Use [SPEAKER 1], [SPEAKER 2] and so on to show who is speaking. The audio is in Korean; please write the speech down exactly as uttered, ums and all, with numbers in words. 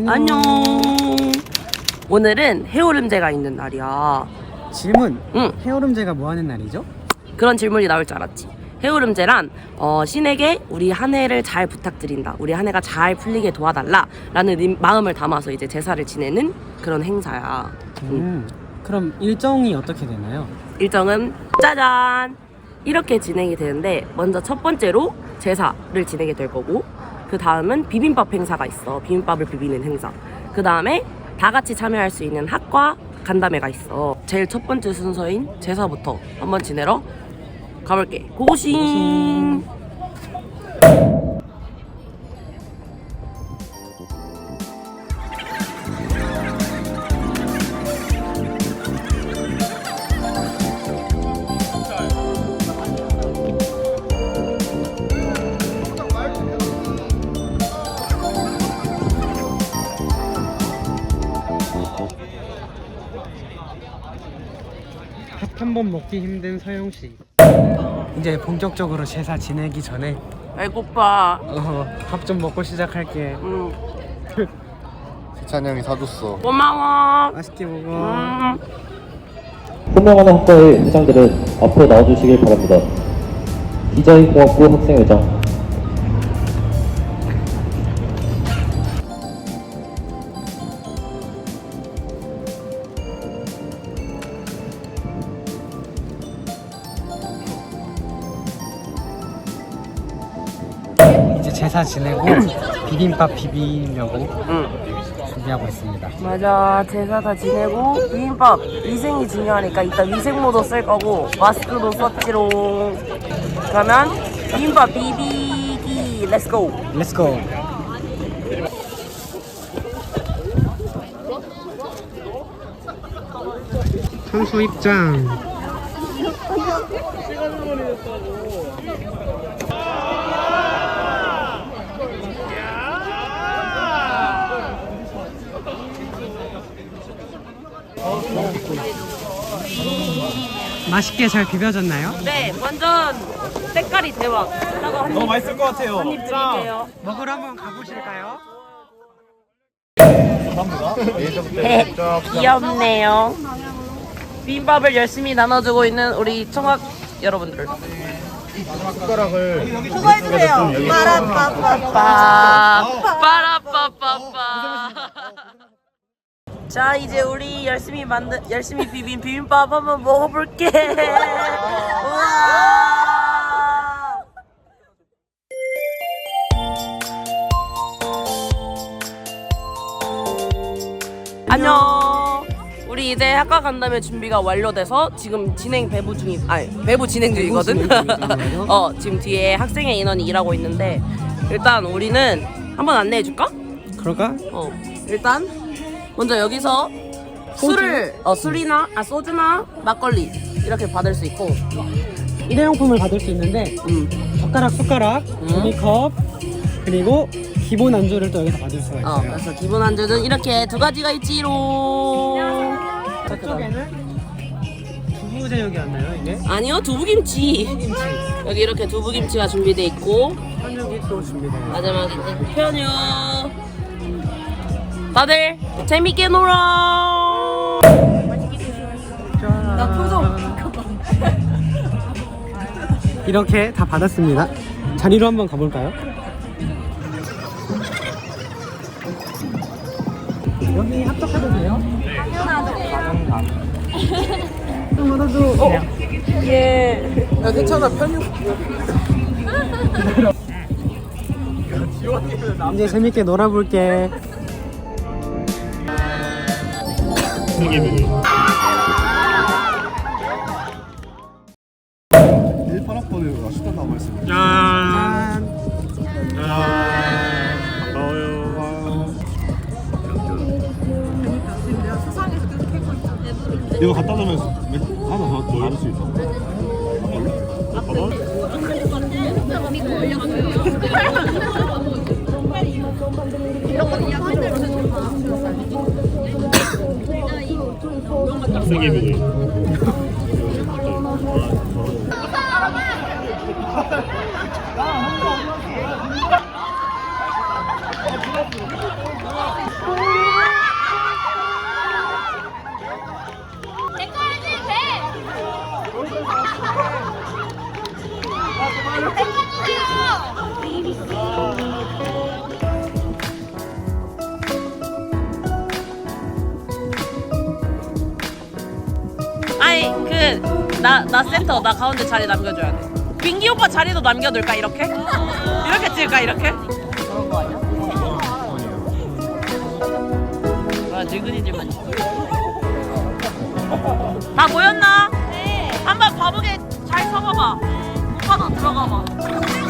[SPEAKER 1] 안녕.
[SPEAKER 2] 안녕. 오늘은 해오름제가 있는 날이야.
[SPEAKER 1] 질문.
[SPEAKER 2] 응.
[SPEAKER 1] 해오름제가 뭐 하는 날이죠?
[SPEAKER 2] 그런 질문이 나올 줄 알았지. 해오름제란 어, 신에게 우리 한 해를 잘 부탁드린다, 우리 한 해가 잘 풀리게 도와달라 라는 임- 마음을 담아서 이제 제사를 지내는 그런 행사야. 응.
[SPEAKER 1] 음. 그럼 일정이 어떻게 되나요?
[SPEAKER 2] 일정은 짜잔 이렇게 진행이 되는데, 먼저 첫 번째로 제사를 지내게 될 거고, 그 다음은 비빔밥 행사가 있어. 비빔밥을 비비는 행사. 그 다음에 다 같이 참여할 수 있는 학과 간담회가 있어. 제일 첫 번째 순서인 제사부터 한번 지내러 가볼게. 고고싱.
[SPEAKER 1] 밥 한 번 먹기 힘든 서영씨. 이제 본격적으로 제사 지내기 전에
[SPEAKER 2] 배고파.
[SPEAKER 1] 어, 밥 좀 먹고 시작할게.
[SPEAKER 2] 음.
[SPEAKER 3] 세찬이 형이 사줬어.
[SPEAKER 2] 고마워.
[SPEAKER 1] 맛있게 먹어.
[SPEAKER 2] 음.
[SPEAKER 4] 호명하는 학과의 회장들은 앞으로 나와주시길 바랍니다. 디자인공학부 학생회장,
[SPEAKER 1] 이제 제사 지내고 비빔밥 비비려고
[SPEAKER 2] 응.
[SPEAKER 1] 준비하고 있습니다.
[SPEAKER 2] 맞아. 제사 다 지내고 비빔밥 위생이 중요하니까 이따 위생모도 쓸 거고 마스크도 썼지롱. 그러면 비빔밥 비비기 렛츠고.
[SPEAKER 1] 렛츠고. 선수 입장. 맛있게 잘 비벼졌나요?
[SPEAKER 2] 네, 완전 색깔이 대박. 이따가 한
[SPEAKER 5] 너무 맛있을 것 같아요.
[SPEAKER 2] 입 드릴게요.
[SPEAKER 1] 먹으러 한번 가보실까요?
[SPEAKER 2] 귀엽네요. 비빔밥을 열심히 나눠주고 있는 우리 총각 여러분들.
[SPEAKER 3] 숟가락을
[SPEAKER 6] 수고해주세요. 빠라빠빠빠.
[SPEAKER 2] 빠 빠라빠빠빠. 자, 이제 우리 열심히 만든 열심히 비빔 비빔밥 한번 먹어볼게. 우와. 안녕. 우리 이제 학과 간담회 준비가 완료돼서 지금 진행 배부 중이 아니 배부 진행 중이거든. 어, 지금 뒤에 학생회 인원이 일하고 있는데, 일단 우리는 한번 안내해 줄까?
[SPEAKER 1] 그럴까?
[SPEAKER 2] 어, 일단 먼저 여기서 술을 어 술이나 아 소주나 막걸리 이렇게 받을 수 있고,
[SPEAKER 1] 일회용품을 받을 수 있는데
[SPEAKER 2] 음,
[SPEAKER 1] 젓가락, 숟가락, 종이컵, 그리고 기본 안주를 또 여기서 받을 수가
[SPEAKER 2] 어,
[SPEAKER 1] 있어요.
[SPEAKER 2] 그래서 기본 안주는 이렇게 두 가지가 있지롱.
[SPEAKER 1] 저쪽에는 두부 제육이었나요 이게?
[SPEAKER 2] 아니요, 두부김치. 여기 이렇게 두부김치가 준비돼 있고,
[SPEAKER 1] 한육이 또 준비돼요.
[SPEAKER 2] 마지막에 편유. 다들 재밌게 놀아.
[SPEAKER 1] 나 표정. 이렇게 다 받았습니다. 자리로 한번 가볼까요? 여기 합격해도 돼요? 당연하죠.
[SPEAKER 2] 어? 예.
[SPEAKER 1] 야 괜찮아 편육. 이제 재밌게 놀아볼게.
[SPEAKER 3] 일 팔 학번에 식단 나와 있습니다.
[SPEAKER 1] 짠.
[SPEAKER 5] 반가워요. 이거 갖다 놓으면 하나 더 넣을 수 있어. 학생회비도.
[SPEAKER 2] 아니 그 나 나 센터 나 가운데 자리 남겨줘야 돼. 민기 오빠 자리도 남겨둘까 이렇게? 이렇게 찍을까 이렇게? 그런 거 아니야? 아 늙은이들만. 다 모였나? 네. 한번 바보게 잘 서봐봐. 오빠도 들어가봐.